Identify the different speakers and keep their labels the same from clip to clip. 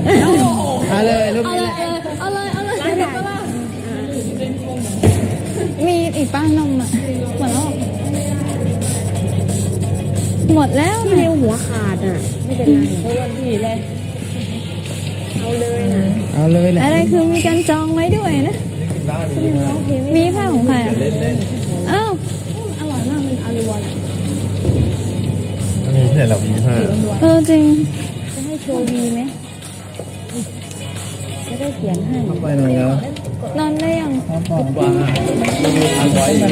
Speaker 1: เอาเลยลูก
Speaker 2: เอาเลยเอาเลยเอาเลย
Speaker 3: มีอีกป้านมอ่ะหมดแล้ว
Speaker 2: ที่เร็วหัวขาดอ่ะไม่เป็นไรเพราะว่าพี่เลยเอาเลยนะ
Speaker 1: เอาเลยแหละ
Speaker 3: อะไรคือมีการจองไว้ด้วยนะมีผ้าของใครอ่ะอ้าว
Speaker 2: อร่อยมากมันอารัว
Speaker 4: อันนี้เนี่ยเรามีผ้า
Speaker 3: จริง
Speaker 2: จะให้โชว์ดีไหมจะได้เขียนให้
Speaker 1: ไปหน่อยแล้ว
Speaker 3: นอนได้ยัง
Speaker 1: ผมว่ามีคาร์บอยอยู่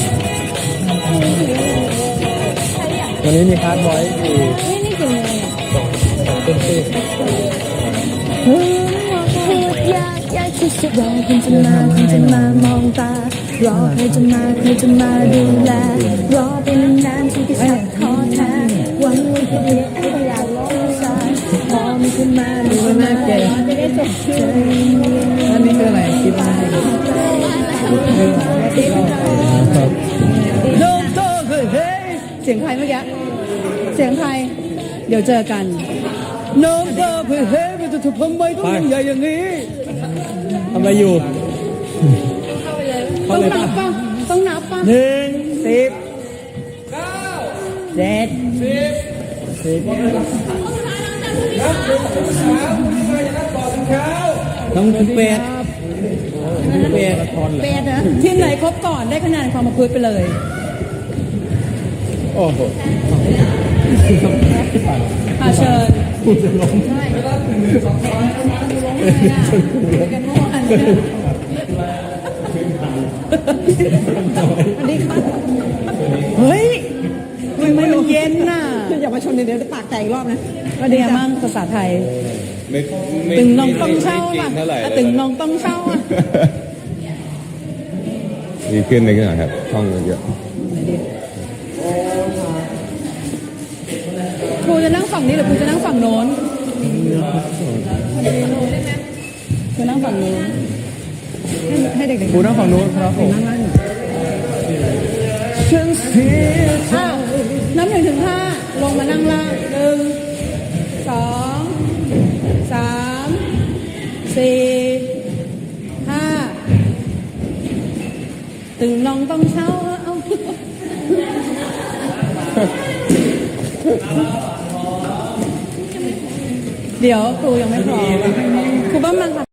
Speaker 1: วันนี้มีคาร์บอยอยู่
Speaker 3: นี่กี่โมงเนี่ย
Speaker 1: ต้นที่
Speaker 3: พูดยากที่สุดรอคุณจะมามองตารอใครจะมาดูแลรอไปนานๆที่จะสักท้อแท้หวังว่าจะเรียกให้อยากร้องสายพอมีขึ้นมาดูน่าเกลียดจะได้จบเฉย
Speaker 1: อันนี้คืออะไรคิดว่าโน้มโตคือเฮ้ยเสียงใครเมื่อกี้เสียงใครเดี๋ยวเจอกันโน้มโตคือเฮ้ยมันจะถูกทำไมต้องยิ่งใหญ่อย่างนี้ทำอะไรอยู่ต้องนับป่ะต้องนับป่ะ1 10 9 7 10ต้องถึงเป็ดเป็ดนะทีมไหนครบก่อนได้คะแนนความประพฤติไปเลยโอ้โหเชิญเฮ้ยทำไมมันเย็นน่ะอย่ามาชนเดี๋ยวจะปากแตกอีกรอบนะว่าเดียมั่งภาษาไทยตึงน้องต้องเช่าป่ะตึงน้องต้องเช่าอ่ะ
Speaker 4: ดีขึ้นเลยหน่อยครับท่องเยอะ
Speaker 1: ครูจะนั่งฝั่งนี้หรือครูจะนั่งฝั่งโน้นครูนั่งฝั่งโน้นให้เด็กๆครูนั่งฝั่งโน้นครับผมฉันเสียน้ำ1 ถึง 5ลงมานั่งล่าง1 2 3 4 5ตึงน้องต้องเช่าเอาเดี๋ยวครูยังไม่พร้อมครูบ้ามันค่ะ